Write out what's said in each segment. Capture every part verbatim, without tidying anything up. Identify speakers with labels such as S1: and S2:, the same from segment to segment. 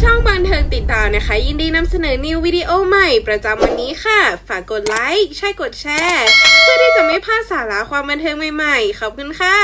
S1: ช่องบันเทิงติดตามนะคะยินดีนำเสนอนิววิดีโอใหม่ประจำวันนี้ค่ะฝากกดไลค์ใช่กดแชร์เพื่อที่จะไม่พลาดสาระความบันเทิงใหม่ๆขอบคุณค่ะ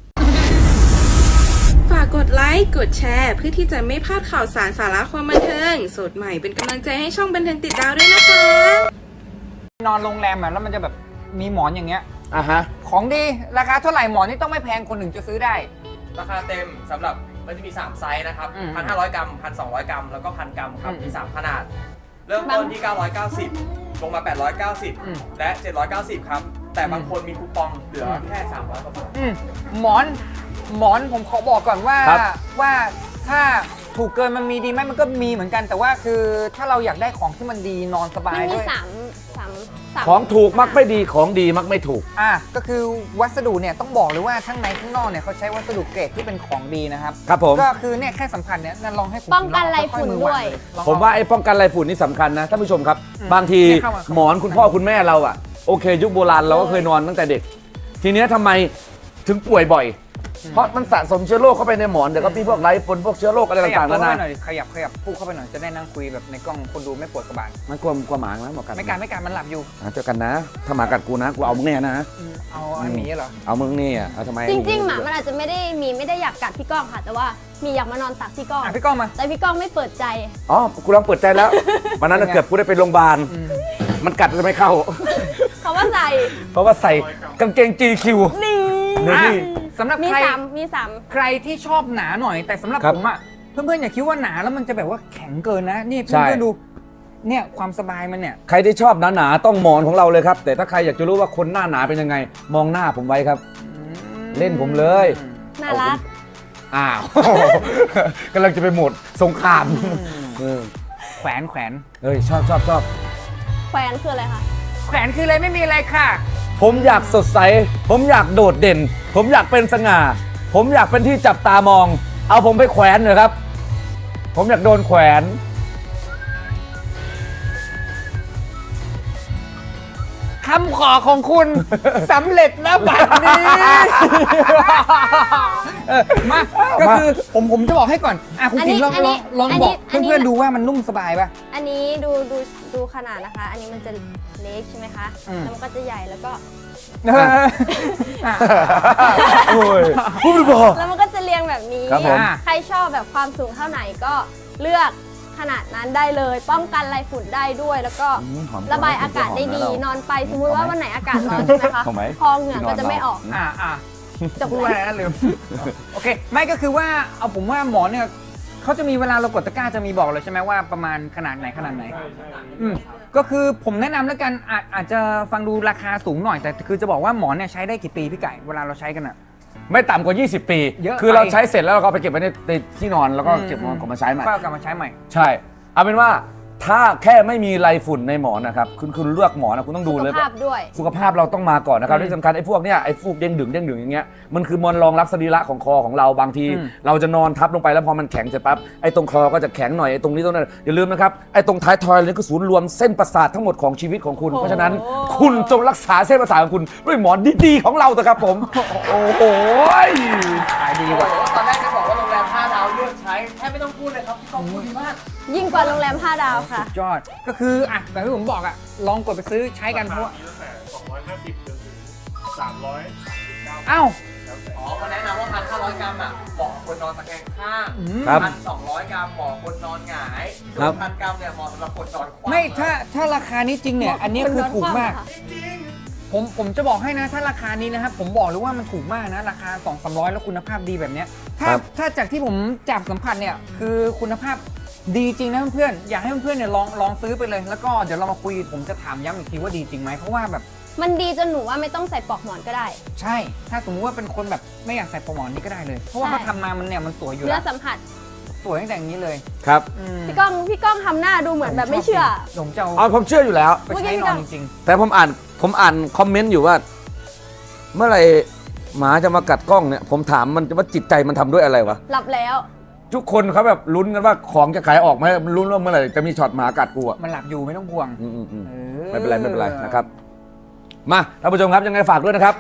S1: ฝากกดไลค์กดแชร์เพื่อที่จะไม่พลาดข่าวสารสาระความบันเทิงสดใหม่เป็นกำลังใจให้ช่องบันเทิงติดดาวด้วยนะคะ
S2: นอนโรงแรมอ่ะแล้วมันจะแบบมีหมอนอย่างเงี้ย
S3: อ่ะฮะ
S2: ของดีราคาเท่าไหร่หมอนนี่ต้องไม่แพงคนหนึ่งจะซื้อได้
S4: ราคาเต็มสำหรับมันจะมีสามไซส์นะครับ หนึ่งพันห้าร้อย กรัม หนึ่งพันสองร้อย กรัมแล้วก็ หนึ่งพัน กรัมครับมีสามขนาดเริ่มต้นที่เก้าร้อยเก้าสิบลงมาแปดร้อยเก้าสิบและเจ็ดร้อยเก้าสิบครับแต่บางคนมีคูปองเหลือแค่สามร้อยกว่าบาท
S2: หมอนหมอนผมขอบอกก่อนว่าว่าถ้าถูกเกินมันมีดีไหมมันก็มีเหมือนกันแต่ว่าคือถ้าเราอยากได้ของที่มันดีนอนสบายด้วย
S5: มันมีสามสามสาม
S3: ของถูกมักไม่ดีของดีมักไม่ถูก
S2: อ่ะก็คือวัสดุเนี่ยต้องบอกเลยว่าทั้งในทั้งนอกเนี่ยเขาใช้วัสดุเกรดที่เป็นของดีนะครับ
S3: ครับผม
S2: ก็คือเนี่ยแค่สัมผัสเนี่ยนั่นลองให้ผม
S5: ป้องกันไรฝุ่นด้วย
S3: ผมว่าไอ้ป้องกันไรฝุ่นนี่สำคัญนะท่านผู้ชมครับบางทีหมอนคุณพ่อคุณแม่เราอ่ะโอเคยุคโบราณเราก็เคยนอนตั้งแต่เด็กทีนี้ทำไมถึงป่วยบ่อยเพราะมันสะสมเชื้อโรคเข้าไปในหมอนเดี๋ยวก็มีพวกไรฝุ่นพวกเชื้อโรคอะไรต่างๆนานา
S2: ขยับขยับพูดเข้าไปหน่อยจะได้นั่งคุยแบบในกล้องคนดูไม่ปวดกระบาล
S3: มันกลัวกลัวหมาไหมหมอกัน
S2: ไม่การไม่การมันหลับอยู่
S3: เจอกันนะถ้าหมากัดกูนะกูเอามึงแน่นะ
S2: เอาไอ้หมีเหรอ
S3: เอามึงนี่อ่ะเอาทำไม
S5: จริงๆหมามันอาจจะไม่ได้มีไม่ได้อยากกัดพี่ก้องค่ะแต่ว่ามีอยากมานอนตักพี่ก้อง
S2: พี่ก้องมา
S5: แต่พี่ก้องไม่เปิดใจ
S3: อ๋อกูลองเปิดใจแล้ววันนั้นเกือบกูได้ไปโรงพยาบาลมันกัดจะไม่เข้า
S5: เขาว่าใส่
S3: เพราะว่าใส่กางเกง จี คิว
S5: นี่
S2: สำหรับ
S5: มี
S2: ใคร
S5: สามมีสาม
S2: ใครที่ชอบหนาหน่อยแต่สำหรับผมอ่ะเพื่อนๆอย่าคิดว่าหนาแล้วมันจะแบบว่าแข็งเกินนะนี่เพื่อนๆดูเนี่ยความสบายมันเนี่ย
S3: ใครที่ชอบหนาๆต้องหมอนของเราเลยครับแต่ถ้าใครอยากจะรู้ว่าคนหน้าหนาเป็นยังไงมองหน้าผมไว้ครับเล่นผมเลย
S5: น่ารัก
S3: อ้าวกำลังจะไปหมดสงคราม
S2: แขวนแขวน
S3: เฮ้ยชอบชอบชอบ
S5: แขวนคืออะไรคะ
S2: แขวนคืออะไรไม่มีอะไรค่ะ
S3: ผมอยากสดใสผมอยากโดดเด่นผมอยากเป็นสง่าผมอยากเป็นที่จับตามองเอาผมไปแขวนหน่อยครับผมอยากโดนแขวน
S2: คำขอของคุณสำเร็จแล้วบัดนี้มาก็คือผมผมจะบอกให้ก่อนอ่ะคุณจิ๋งลองลองลองบอกเพื่อนๆดูว่ามันนุ่มสบายป่ะ
S5: อันนี้ดูดูดูขนาดนะคะอันนี้มันจะเล็กใช่ไหมคะแล้วมันก็จะใหญ่แล้วก็
S3: โอ้ยพูดไม่พอ
S5: แล้วมันก็จะเรียงแบบนี้ใครชอบแบบความสูงเท่าไหนก็เลือกขนาดนั้นได้เลยป้องกันไรฝุ่นได้ด้วยแล้วก็ระบายอากาศได้ดีนอนไปสมมุติว่าวันไหนอากาศร้อนใช่ไหมคะคอเหงื่อก็จะไม่ออก
S2: อ่าอ่าจะพูดอะไรนะลืมโอเคไม่ก็คือว่าเอาผมว่าหมอเนี่ยเขาจะมีเวลาเรากดตะกร้าจะมีบอกเลยใช่ไหมว่าประมาณขนาดไหนขนาดไหนอืมก็คือผมแนะนำแล้วกันอาจอาจจะฟังดูราคาสูงหน่อยแต่คือจะบอกว่าหมอนเนี่ยใช้ได้กี่ปีพี่ไก่เวลาเราใช้กันอะ
S3: ไม่ต่ำกว่ายี่สิบปีคือเราใช้เสร็จแล้วเราก็ไปเก็บไว้ในที่นอนแล้วก็เก็บนอนกลับมาใช้ใหม่
S2: ก็กลับมาใช้ใหม่
S3: ใช่เอาเป็นว่าถ้าแค่ไม่มีไรฝุ่นในหมอนนะครับคุณคุณเลือกหมอนนะคุณต้องดูเลย
S5: สุขภาพด้วย
S3: สุขภาพเราต้องมาก่อนนะครับที่สำคัญไอ้พวกเนี้ยไอ้ฟูกเด้งดึงเด้งดึงอย่างเงี้ยมันคือมวลรองรับสรีระของคอของเราบางทีเราจะนอนทับลงไปแล้วพอมันแข็งเสร็จปั๊บไอ้ตรงคอก็จะแข็งหน่อยไอ้ตรงนี้ตรงนั้นอย่าลืมนะครับไอ้ตรงท้ายทอยนี่คือศูนย์รวมเส้นประสาททั้งหมดของชีวิตของคุณเพราะฉะนั้นคุณจงรักษาเส้นประสาทของคุณด้วยหมอนดีๆของเราเถอะครับผมโอ้โห
S2: ขายดีกว่า
S4: ตอนแรกจะบอกว่าโรงแรมห้าดาวเลือกใช้แทบไม่ต้องพูดเลยครับขอบคุณมาก
S5: ยิ่งกว่าโรงแรมห้าดาวค่ะ
S2: ยอดก็คืออ่ะแบบที่ผมบอกอ่ะลองกดไปซื้อใช้กันเพราะว่า
S6: สองร้อยห้าสิบจนถึงสามร้อย
S2: เอ้า
S4: อ๋อเขาแนะนำว่าพันห้าร้อยกรัมอ่ะเหมาะคนนอนตะแคงข้างพันสองร้อยกรัมเหมาะคนนอนหงายส่วนพันกรัมเนี่ยเหมาะสำหรับคนนอนคว่ำ
S2: ไม่ถ้าถ้าราคานี้จริงเนี่ยอันนี้คือถูกมากผมผมจะบอกให้นะถ้าราคานี้นะครับผมบอกเลยว่ามันถูกมากนะราคาสองสามร้อยแล้วคุณภาพดีแบบเนี้ยถ้าถ้าจากที่ผมจับสัมผัสเนี่ยคือคุณภาพดีจริงนะเพื่อนๆอยากให้เพื่อนๆเนี่ยลองลองซื้อไปเลยแล้วก็เดี๋ยวเรามาคุยผมจะถามย้ำอีกทีว่าดีจริงไหมเพราะว่าแบบ
S5: มันดีจนหนูว่าไม่ต้องใส่ปลอกหมอนก็ได้
S2: ใช่ถ้าสมมติว่าเป็นคนแบบไม่อยากใส่ปลอกหมอนนี่ก็ได้เลยเพราะว่าเขาทำมามันเนี่ยมันสวยอยู่แล้ว
S5: เนื้อสัมผัส
S2: สวยตั้งแต่อย่างนี้เลย
S3: ครับ
S5: พี่ก้องพี่ก้องทำหน้าดูเหมือนแบบไม่เชื่อ
S2: ผมจะ
S3: เอาผมเชื่ออยู่แล้ว
S2: ไปใช้นอนจริง
S3: ๆแต่ผมอ่านผมอ่านคอมเมนต์อยู่ว่าเมื่อไหร่หมาจะมากัดกล้องเนี่ยผมถามมันว่าจิตใจมันทำด้วยอะไรวะ
S5: หลับแล้ว
S3: ทุกคนเขาแบบลุ้นกันว่าของจะขายออกไหมลุ้นว่าเมื่อไหร่จะมีช็อตหมากัดกูอ่ะ
S2: มันหลับอยู่ไม่ต้องห่วง
S3: ไม่เป็นไรไม่เป็นไรนะครับมาท่านผู้ชมครับยังไงฝากด้วยนะครับ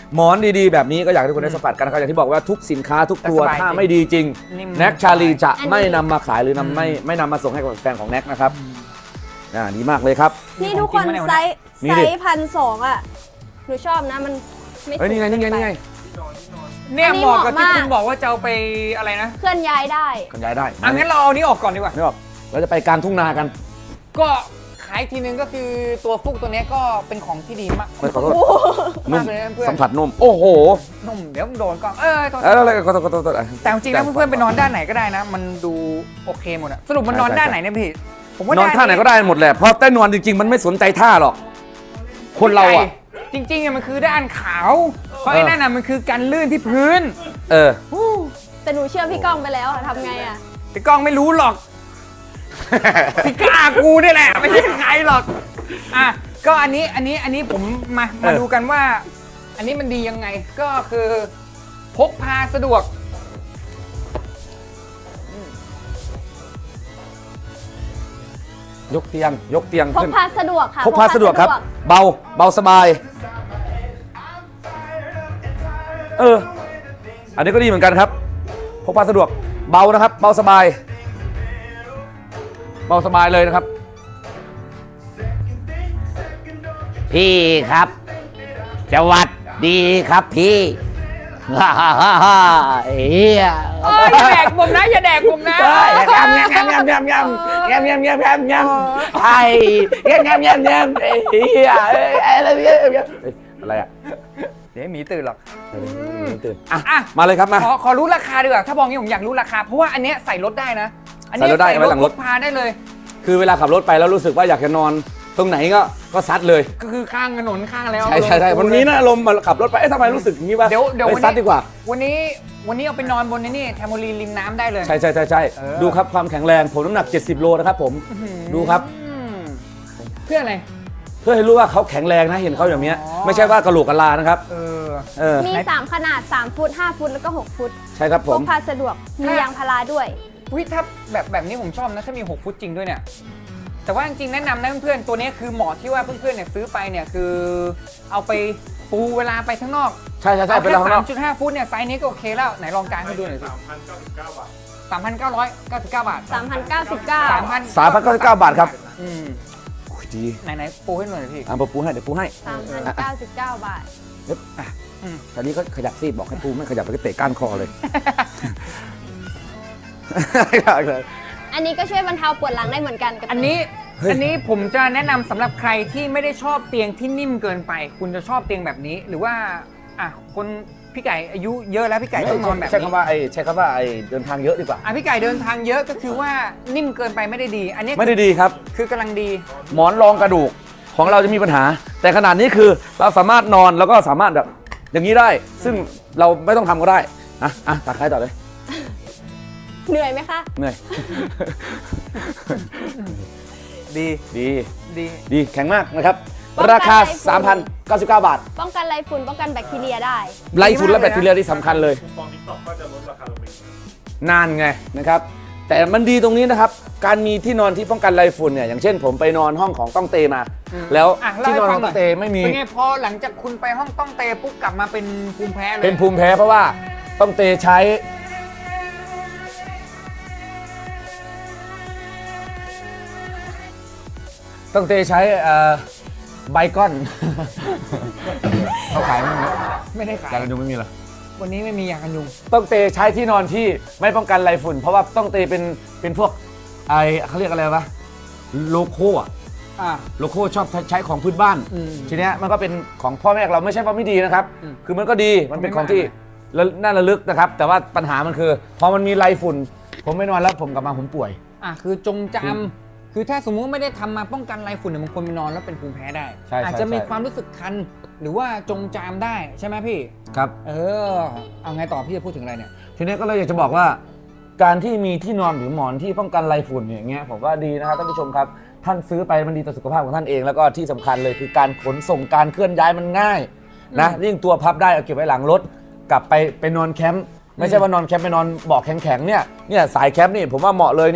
S3: หมอนดีๆแบบนี้ก็อยากให้ทุกคนได้สัมผัสกันนะครับอย่างที่บอกว่าทุกสินค้าทุกตัว
S2: แต่สบาย
S3: ถ้า
S2: จริง
S3: ไม่ดีจริง
S2: นิ่ม
S3: แน็กชาลีจะ
S5: อันนี้
S3: ไม่นำมาขายหรือนำไม่ไม่นำมาส่งให้กับแฟนของแน็กนะครับอ่าดีมากเลยครับ
S5: นี่ทุกคน
S2: ของจริงปะเนี่ย
S5: ไซส์
S3: มี
S5: ไซ
S3: ดิ
S5: ส์พันสองอ่ะหนูชอบนะมันไม่
S3: เฮ้ยนี่ไงนี่ไงนี่ไง
S2: เนี่ย
S5: อันนี้
S2: เหมาะกับที่
S5: เหมาะมาก
S2: คุณบอกว่าจะเอาไปอะไรนะ
S5: เคลื่อนย้ายได้
S3: กันย้ายได้
S2: อ่ะงั้นเราเอานี้ออกก่อนดีกว่า
S3: ไม่บอกเราจะไปกลางทุ่งนากัน
S2: ก็ขายทีนึงก็คือตัวฟุกตัวเนี้ยก็เป็นของที่ดีมาก
S3: ไม่ขอโทษ
S5: โอ้โห
S3: นุ่ม
S2: มากเลยนะเพื่อน
S3: สัมผัสนุ่มโอ้โห
S2: นุ่มเดี๋ยวมึงโดนกล้องเออโทษ
S3: เอออะไรขอโทษขอโทษขอโทษอ่ะ
S2: แต่จริงๆแล้วเพื่อนๆไปนอนด้านไหนก็ได้นะ มันดูโอเคหมดอะสรุปมันนอน
S3: ใช่ใช่
S2: ด้านไหนเนี่ยพี่ผมว่าน
S3: อนท่าไหนก็ได้หมดแหละเพราะใต้นอนจริงๆมันไม่สนใจท่าหรอกคนเราอ่ะ
S2: จริงๆอะมันคือด้านขาวเพราะไอ้นั่นน่ะมันคือการลื่นที่พื้น
S3: เออ
S5: แต่หนูเชื่อพี่ก้องไปแล้วอะทำไงอ่ะ
S2: แต่กล้องไม่รู้หรอก พี่กล้ากูนี่แหละไม่ใช่ใครหรอกอ่ะก็อันนี้อันนี้อันนี้ผมมามา
S3: เออ
S2: ดูกันว่า อันนี้มันดียังไงก็คือพกพาสะดวก
S3: ยกเตียงยกเตียง
S5: พก
S3: ขึ้น
S5: พาสะดวกค่ะ
S3: พกพาสะดวกครับ เบาเบาสบาย เออ อันนี้ก็ดีเหมือนกันครับพกพาสะดวกเบานะครับ เบาสบาย เบาสบายเลยนะครับ
S7: พี่ครับสวัสดีครับพี่ ฮ่าฮ่าฮ่าฮ่าเฮีย
S2: เอ้ยอย่าแดกผมนะอย่าแดกผมนะ
S7: เฮ้ยยำยำยำยำยำยำยำยำยำยำยำไอ้ยำยำยำยำเฮียเอ้ยอะไรเนี่ย
S3: เฮ้ยอะไรอ่ะ
S2: เดี๋ยวหมีตื่นหรอก
S3: เออไม่ตื่นอ่ะ
S2: อ่ะ
S3: มาเลยครับมา
S2: ขอขอรู้ราคาดีกว่าถ้าบอกงี้ผมอยากรู้ราคา เพราะว่าอันเนี้ยใส่รถได้นะ อันนี้
S3: ใส่รถได้เอาไว้หลังรถ
S2: พกพาได้เลย
S3: คือเวลาขับรถไปแล้วรู้สึกว่าอยากจะนอนตรงไหนก็ก็ซัดเลย
S2: ก็คือข้างถนนข้างแล้ว
S3: ใช่ใช่ใช่วันนี้นะอารมณ์มาขับรถไปเอ๊ะทำไมรู้สึกอย่างนี้วะ
S2: เดี๋ยวเดี๋ยว
S3: ไป
S2: วัน
S3: ซัด
S2: นี้
S3: ดีกว่า
S2: วันนี้วันนี้เอาไปนอนบนนี่แทมโมลีนริมน้ำได้เลย
S3: ใช่ใช่ใช่ใช่
S2: เออ
S3: ดูครับความแข็งแรงผมน้ำหนักเจ็ดสิบโลนะครับผมดูครับ
S2: อืมเพื่ออะไร
S3: เพื่อให้รู้ว่าเขาแข็งแรงนะเห็นเขาอย่างเนี้ย
S2: อ๋อ
S3: ไม่ใช่ว่ากระโหลกกะลานะครับ
S2: เออ
S3: เออ
S5: มีสามขนาดสามฟุตห้าฟุตแล้วก็หกฟุต
S3: ใช่ครับ
S5: พ
S3: ผม
S5: กพาสะดวกมียางพาราด้วย
S2: วิถ้าแบบแบบนี้ผมชอบนะถ้ามีหกฟุตจริงด้วยเนี่ย แต่ว่าจริงๆแนะนำนะเพื่อนๆตัวนี้คือเหมาะที่ว่าเพื่อนๆเนี่ยซื้อไปเนี่ยคือเอาไปปูเวลาไปข้างนอก
S3: ใช่ใช่ใช่
S2: เอา
S3: ไป
S2: แค่
S3: แล้วข้างน
S2: สา
S3: อ
S2: ม
S3: ก
S2: จุดห้าฟุตเนี่ยไซส์นี้ก็โอเคแล้วไหนลองกางให้ดูหน่อยสิ
S6: สามพันเก้าสิบเก้าบาท
S2: สามพันเก้าร้อยเก้าสิบเก้าบาท
S5: สามพันเก้าสิบเก้า
S2: สามพัน
S3: สามพันเก้าสิบเก้าบาทครับ
S2: อืม
S3: โอ้ยดี
S2: ไหนไหนปูให้หน่อยพี่
S3: อ่ะผมปูให้เดี๋ยวปูให้
S5: สามพันเก้าสิบเก้าบาท
S2: อืม
S3: ตอนนี้เขาขยับซีบอกให้ปูไม่ขยับไปก็เตะก้านคอเลย
S5: อันนี้ก็ช่วยบรรเทาปวดหลังได้เหมือนกันกับ
S2: อันนี้
S3: เฮ้ย
S2: อันนี้ผมจะแนะนำสำหรับใครที่ไม่ได้ชอบเตียงที่นิ่มเกินไป คุณจะชอบเตียงแบบนี้ หรือว่าอ่ะคนพี่ไก่อายุเยอะแล้วพี่ไก่ต้องนอนแบบ
S3: ใช้
S2: นี้
S3: คำว่าไอ้ใช้คำว่าไอ้เดินทางเยอะดีกว่า
S2: อ่ะพี่ไก่เดินทางเยอะก็คือว่านิ่มเกินไปไม่ได้ดี อันนี้
S3: ไม่ได้ดีครับ
S2: คือกำลังดี
S3: หมอนรองกระดูกของเราจะมีปัญหา แต่ขนาดนี้คือเราสามารถนอนแล้วก็สามารถแบบอย่างนี้ได้ ซึ่งเราไม่ต้องทำก็ได้อ่ะอ่ะตัดใครต่อเลย
S5: เหนื่อยไหมคะ
S3: เหนื่อย
S2: ดี
S3: ดี
S2: ดี
S3: ดีแข็งมากนะครับ
S5: ป้องกัน
S3: ราคา
S5: ไรฝุ่น
S3: สามพันเก้าสิบเก้า บาท
S5: ป้องกันไรฝุ่นป้องกันแบคทีเรียได้
S3: ไล่ฝุ่นและแบคทีเรียที่สำคัญเลย
S6: คูปองทิกตอกก็จะลดราคาลงไปอีก
S3: นานไงนะครับ แต่มันดีตรงนี้นะครับ การมีที่นอนที่ป้องกันไรฝุ่นเนี่ยอย่างเช่นผมไปนอนห้องของต้องเตมา แล้ว
S2: อ่ะเล่า
S3: ที่
S2: ให้
S3: นอน
S2: ฟั
S3: ของ
S2: งหน่
S3: ต้
S2: อ
S3: อย งเตไม่มี
S2: เป็นไงพอหลังจากคุณไปห้องต้องเตปุ๊บกลับมาเป็นภูมิแพ้เลย
S3: เป็นภูมิแพ้เพราะว่าต้องเตใช้ ต้องเตใช้เอ่อไบคอน เขาขายไหม
S2: ไม่ได้ขาย
S3: ยากันยุงไม่มีเหรอ
S2: วันนี้ไม่มียากันยุง
S3: ต้องเตใช้ที่นอนที่ไม่ป้องกันไรฝุ่น เพราะว่าต้องเตเป็นเป็นพวกไอเขาเรียกอะไรวะโลโก้อะ
S2: อ่ะ
S3: โลโก้ชอบใช้ของพื้นบ้าน
S2: อืม
S3: ทีเนี้ยมันก็เป็นของพ่อแม่เราไม่ใช่ว่าไม่ดีนะครับ
S2: อืม
S3: คือมันก็ดีมันเป็นของที่
S2: ไม่ว่า
S3: ระน่าระลึกนะครับ แต่ว่าปัญหามันคือพอมันมีไรฝุ่น ผมไม่นอนแล้วผมกลับมาผมป่วย
S2: อ่ะคือจงจำคือถ้าสมมุติไม่ได้ทำมาป้องกันไรฝุ่นเนี่ยบางคนไปนอนแล้วเป็นภูมิแพ้ได้
S3: ใช่ใช่
S2: อาจจะมี
S3: ใช่
S2: ความรู้สึกคัน หรือว่าจงจามได้ใช่ไหมพี่
S3: ครับ
S2: เออ เอาไงต่อพี่จะพูดถึงอะไรเนี่ย
S3: ทีนี้ก็เลยอยากจะบอกว่า การที่มีที่นอนหรือหมอนที่ป้องกันไรฝุ่นอย่างเงี้ยผมว่าดีนะครับท่านผู้ชมครับ ท่านซื้อไปมันดีต่อสุขภาพของท่านเองแล้วก็ที่สำคัญเลยคือการขนส่งการเคลื่อนย้ายมันง่ายนะยิ่งตัวพับได้เอาเก็บไว้หลังรถกลับไปไปนอนแคมป์ไม่ใช่ว่านอนแคมป์ไปนอนเบาะแข็งๆเนี่ยเนี่ยสายแคมป์นี่ผมว่าเหมาะเลยเนี่ย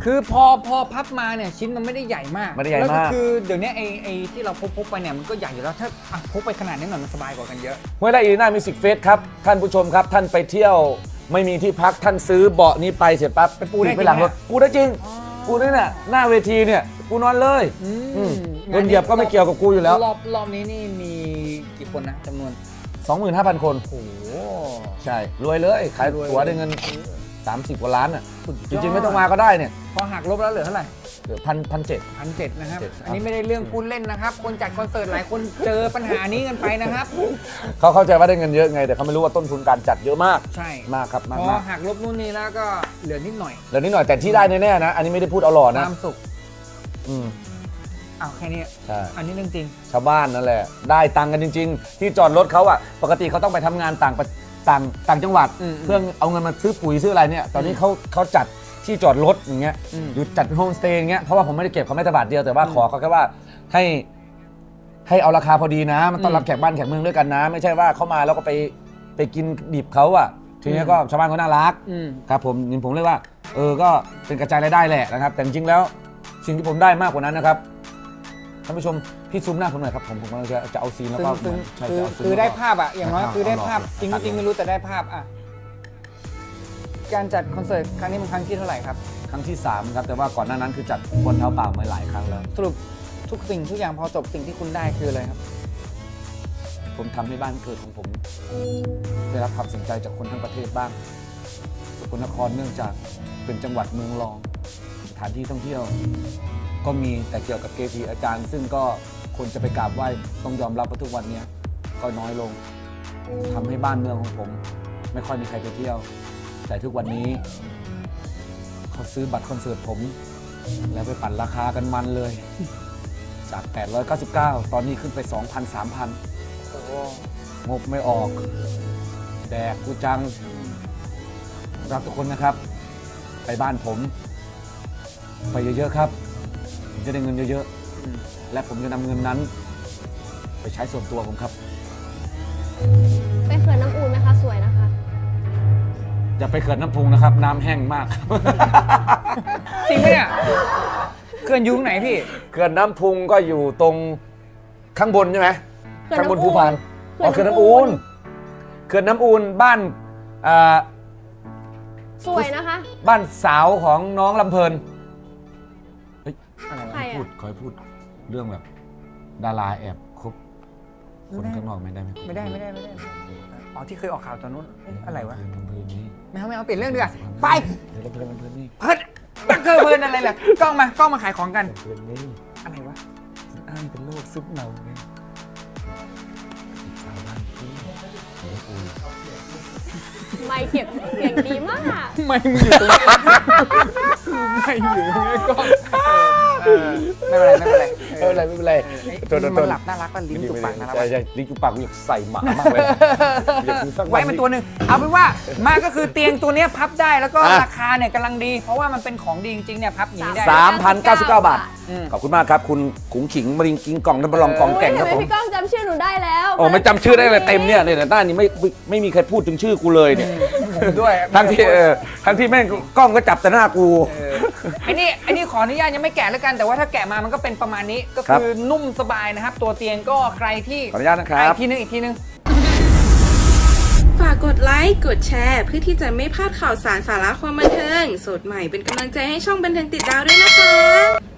S2: คือพอพอพับมาเนี่ยชิ้นมันไม่ได้ใหญ่มาก
S3: ไม่ได้ใหญ่มาก
S2: แล้วก็คือเดี๋ยวนี้ไอ้ไอ้ที่เราพกพกไปเนี่ยมันก็ใหญ่อยู่แล้วถ้าอ่ะพกไปขนาดนี้หน่อยมันสบายกว่ากันเยอะ
S3: ห้วยไร่อีรีนามิวสิกเฟสครับท่านผู้ชมครับท่านไปเที่ยวไม่มีที่พักท่านซื้อเบาะนี้ไปเสร็จปั๊บ
S2: ไปปูได้
S3: ไปหลังรถ
S2: จริงไหม
S3: ปูได้จริงปูได้น่ะหน้าเวทีเนี่ยปูนอนเลย
S2: อืม
S3: อืมเงินเหยียบก็ไม่เกี่ยวกับกูอยู่แล้ว
S2: รอบรอบนี้นี่มีกี่คนนะจำนวน
S3: สองหมื่นห้าพัน คน
S2: โอ้โห
S3: ใช่รวยเลยขาย
S2: รวย
S3: ตั๋วได้เงินสามสิบกว่าล้านอ่ะ
S2: สุดยอด
S3: จริงๆไม่ต้องมาก็ได้เนี่ย
S2: พอหักลบแล้วเหลือเท่าไหร่
S3: เหลือพันพันเจ็ด
S2: พันเจ็ดนะครับ
S3: เจ็ดครับ
S2: อันนี้ไม่ได้เรื่องพูดเล่นนะครับ คนจัดคอนเสิร์ตหลายคนเจอปัญหานี้กันไปนะครับ
S3: เขาเข้าใจว่าได้เงินเยอะไงแต่เขาไม่รู้ว่าต้นทุนการจัดเยอะมาก
S2: ใช่
S3: มากครับมาก
S2: พอ
S3: มาก
S2: หักลบนู่นนี่แล้วก็เหลือนิดหน่อย
S3: แล้วนิดหน่อยแต่ที่ได้แน่ๆนะ อันนี้ไม่ได้พูดเอาหล่อ
S2: ค
S3: นะ
S2: วามสุข
S3: อืม
S2: อ้าวแค่นี้
S3: ใช่
S2: อันนี้เรื่องจริง
S3: ชาวบ้านนั่นแหละได้ตังค์กันจริง ๆ ที่จอดรถเขาอะปกติเขาต้องไปทำงานต่างประต่างต่างจังหวัด
S2: อืม
S3: เพื่อเอาเงินมาซื้อปุ๋ยซื้ออะไรเนี่ยตอนนี้เขาเขาจัดที่จอดรถอย่างเงี้ย
S2: อืม
S3: หรือจัดเป็นโฮมสเตย์อย่างเงี้ยเพราะว่าผมไม่ได้เก็บเขาไม่แต่บาทเดียวแต่ว่าขอเขาแค่ว่าให้ให้เอาราคาพอดีนะ มันต้อนรับแขกบ้านแขกเมืองด้วยกันนะ ไม่ใช่ว่าเขามาแล้วก็ไปไปกินดิบเขาอะทีนี้ก็ชาวบ้านเขาน่ารัก
S2: อืม
S3: ครับผมนี่ผมเรียกว่าเออก็เป็นกระจายรายได้แหละนะครับแต่จริงๆแล้วสิ่งที่ผมได้มากกว่านั้นนะครับท่านผู้ชมพี่ซูมหน้าผมหน่อยครับผมผมกำลังจะจะเอาซีนแล้ว
S2: ซึ่ง
S3: ก็
S2: ซึ่ง
S3: ใช่
S2: คือ
S3: จะเอาซีน
S2: คือ
S3: แล้วก็
S2: ได้ภาพอะอย่างน้อย
S3: เอา
S2: คือได้ภาพ
S3: เอา
S2: จริง
S3: เอา
S2: จริงไม่รู้แต่ได้ภาพอะการจัดคอนเสิร์ตครั้งนี้มันครั้งที่เท่าไหร่ครับ
S3: ครั้งที่สามครับแต่ว่าก่อนหน้านั้นคือจัดบนเท้าเปล่ามาหลายครั้งแล้ว
S2: สรุปทุกสิ่งทุกอย่างพอจบสิ่งที่คุณได้คืออะไรครับ
S3: ผมทำให้บ้านเกิดของผม ได้รับความสนใจจากคนทั้งประเทศบ้างสกลนครเนื่องจากเป็นจังหวัดเมืองรองสถานที่ท่องเที่ยว ก็มีแต่เกี่ยวกับเกจิอาจารย์ ซึ่งก็คนจะไปกราบไหว้ต้องยอมรับว่าทุกวันนี้ก็น้อยลงทำให้บ้านเมืองของผม ไม่ค่อยมีใครไปเที่ยว แต่ทุกวันนี้เขาซื้อบัตรคอนเสิร์ตผม แล้วไปปั่นราคากันมันเลย จาก แปดร้อยเก้าสิบเก้า ตอนนี้ขึ้นไป สองพัน สามพัน งบไม่ออก แดกกูจัง รับทุกคนนะครับ ไปบ้านผม ไปเยอะๆครับผมจะได้เงินเยอะๆ และผมจะนำเงินนั้น ไปใช้ส่วนตัวผมครับ
S5: ไปเขื่อนน้ำอูนไหมคะสวยนะคะ
S3: อย่าไปเขื่อนน้ำพุงนะครับ น้ำแห้งมาก
S2: จริงไหมเนี่ยเกินอยุงไหนพี่
S3: เขื่อนน้ำพุงก็อยู่ตรงข้างบนใช่ไหม
S5: เขื่อน
S3: ข้างบน
S5: น้ำอูน
S3: ภูพานอ๋อ
S5: เขื่
S3: เขื่อ
S5: อน นน้ำอู
S3: น้ำอู
S5: น
S3: นเขื่อนน้ำอูนบ้านอ่า
S5: สวยนะคะ
S3: บ้านสาวของน้องลำเพลินเฮ้ยอะไร
S5: ใคร
S3: วะ
S5: อะ
S3: พูดขอให้พูดเรื่องแบบ ดาราแอบคบคนข้างนอกไม่ได้ไหม
S2: ไม่ได้ไม่ได้ไม่ได้อ๋อที่เคยออกข่าวตอนนู้นเอ๊ะอะไรวะ
S3: ลำเพลินนี่
S2: ไม่เอาไม่เอาเปลี่ยนเรื่องดีกว่าไป
S3: เดี๋ยวลำเพลินลำเพลินนี่
S2: เฮ้ยบักเกอร์เพลินอะไรล่ะกล้องมากล้องมาขายของกัน
S3: ลำเพลินนี่
S2: อะไรวะ
S3: อ้างเป็นโรคซึมเนาไงสาวบ้านพี่เดี๋ยวกู
S5: ไม่เก็บเสียงดีมาก
S2: ไม่มึงอยู่ตรงนี้ไม่อยู่ตรงนี้กล้องเออไม่เป็นไรไม่เป็นไร
S3: ไม่เป็นไรไม่เป็นไร
S2: เอ้ย
S3: ตัวตัว
S2: มันหลับน่ารักป่ะลิ้นจุกปากน่ารัก
S3: ใช่
S2: ป่ะ
S3: ใช่ลิ้นจุกปากกูอยากใส่หมามากเลยอยากกินสัก
S2: ไว้มันตัวหนึ่งเอาเป็นว่ามาก็คือเตียงตัวเนี้ยพับได้แล้วก็
S3: อ่ะ
S2: ราคาเนี่ยกำลังดี เพราะว่ามันเป็นของดีจริงๆเนี่ยพับอย่างนี้ได้
S3: สามพันเก้าสิบเก้าบาท
S2: อืม
S3: ขอบคุณมากครับ คุณขุงขิงมริงกิงกล่องน้ำบลองกองแก่ง
S5: โอ้ย
S3: ครับ
S5: ทำไม
S3: ผม
S5: พี่ก้องจำชื่อหนูได้แล้ว
S3: โอ้ไม่จำชื่อได้เลยเต็มเนี่ยเนี่ยแต่หน้านี้ไม่ไม่ไม่มีใครพูดถึงชื่อกูเลยเนี่ย
S2: ผมด้วย
S3: ทั้งที่เออทั้งที่แม่งกล้องก็จับแต่หน้ากู
S2: ไอ้นี่ไอ้นี่ขออนุญาตยังไม่แกะแล้วกันแต่ว่าถ้าแกะมามันก็เป็นประมาณนี้ก็
S3: ครับ
S2: คือนุ่มสบายนะครับ ตัวเตียงก็ใครที่
S3: ขออนุญาตนะครับ
S2: อีกทีนึงอีกทีนึง
S1: ฝากกดไลค์ กดแชร์ เพื่อที่จะไม่พลาดข่าวสารสาระความบันเทิง สดใหม่เป็นกำลังใจให้ช่องบันเทิงติดดาวด้วยนะคะ